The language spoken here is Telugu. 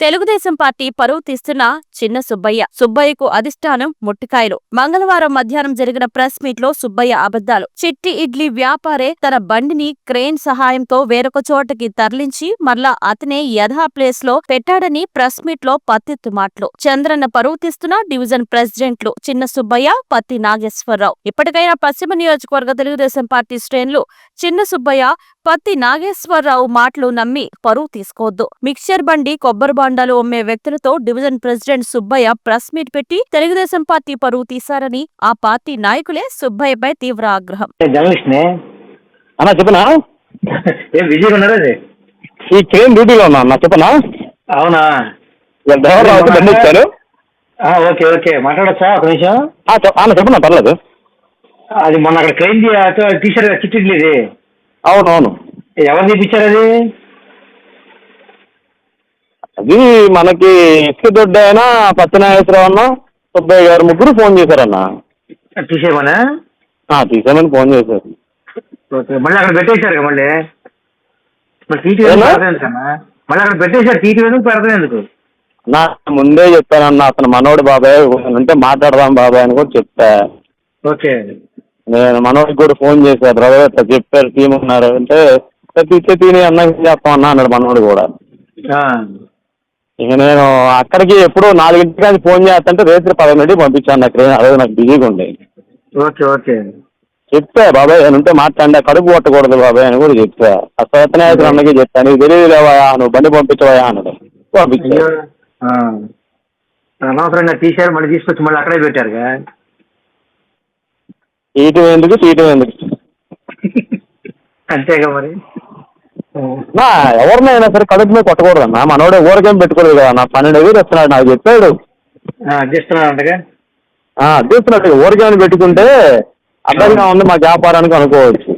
తెలుగుదేశం పార్టీ పరువు తీస్తున్న చిన్న సుబ్బయ్యకు అధిష్టానం ముట్టికాయలు. మంగళవారం మధ్యాహ్నం జరిగిన ప్రెస్ మీట్ లో సుబ్బయ్య అబద్దాలు. చిట్టి ఇడ్లీ వ్యాపారే తన బండిని క్రేన్ సహాయంతో వేరొక చోటకి తరలించి మరలా అతనే యథా ప్లేస్ లో పెట్టాడని ప్రెస్ మీట్ లో పత్తెత్తు మాటలు. చంద్రన్న పరువు తీస్తున్న డివిజన్ ప్రెసిడెంట్లు చిన్న సుబ్బయ్య, పత్తి నాగేశ్వరరావు. ఇప్పటికైనా పశ్చిమ నియోజకవర్గ తెలుగుదేశం పార్టీ శ్రేణులు చిన్న సుబ్బయ్య, పత్తి నాగేశ్వరరావు మాటలు నమ్మి పరువు తీసుకోవద్దు. మిక్చర్ బండి, కొబ్బరి బాండాలు అమ్మే వ్యక్తులతో division president Subbaiah press meet పెట్టి తెలుగుదేశం పార్టీ పరువు తీశారని ఆ పార్టీ నాయకులే సుబ్బయ్యపై తీవ్ర ఆగ్రహం. ఈ ట్రైన్ డ్యూటీలో ఉన్నా చెప్పనా? అవునా? ఓకే ఓకే, మాట్లాడచ్చా ఒక నిమిషం? చెప్పనా, పర్లేదు. అది మొన్న అక్కడ ట్రైన్ తీసారు కదా చిట్టిడ్లీది. అవునవును. ఎవరు తీపిచ్చారు అది? అది మనకి ఇసుక దొడ్డ అయినా పచ్చనాగేశ్వరరావు అన్న, సుబ్బయ్య గారు ముగ్గురు ఫోన్ చేశారన్న. తీసేయమనా? తీసేయమని ఫోన్ చేశారు. ఓకే, మళ్ళీ అక్కడ పెట్టేశారు కదా. మళ్ళీ టీటీ మళ్ళీ అక్కడ పెట్టేశారు. టీటీ ఎందుకు పెడతాను ఎందుకు? నా ముందే చెప్పానన్న, అతను మనోడు బాబాయ్ అంటే మాట్లాడదాం బాబాయ్ అని కూడా చెప్పా. ఓకే, నేను మనోడికి కూడా ఫోన్ చేశా. బ్రదర్ ఇట్లా చెప్పారు టీం ఉన్నారు అంటే తిని అన్న చేస్తాం అన్న అన్నాడు మనోడు కూడా. ఇక నేను అక్కడికి ఎప్పుడు 4 ఫోన్ చేస్తుంటే రేత్రి 10 పంపించాను నాకు. అదే నాకు బిజీగా ఉండే. ఓకే ఓకే, చెప్తా బాబాయ్ అని ఉంటే మాట్లాడి కడుపు కొట్టకూడదు బాబాయ్ అని కూడా చెప్తా. ఆ సత్యనాయకుడు అన్నకి చెప్తా, నీకు తెలియదులేవా నువ్వు బండి పంపించవా అన్నాడు. పంపించా. అనవసరంగా తీశారు, మళ్ళీ తీసుకొచ్చి మళ్ళీ అక్కడే పెట్టారుగా. తీయటం ఎందుకు అంతేగా మరి. ఎవరినైనా సరే కడుపు మీద కొట్టకూడదు అన్న. మనోడే ఊరికేం పెట్టుకోలేదు కదా. నా 12,000 వస్తున్నాడు నాకు చెప్పాడు. అడ్డిస్తున్నాడు ఊరికేమని పెట్టుకుంటే అర్థంగా ఉంది మా వ్యాపారానికి అనుకోవచ్చు.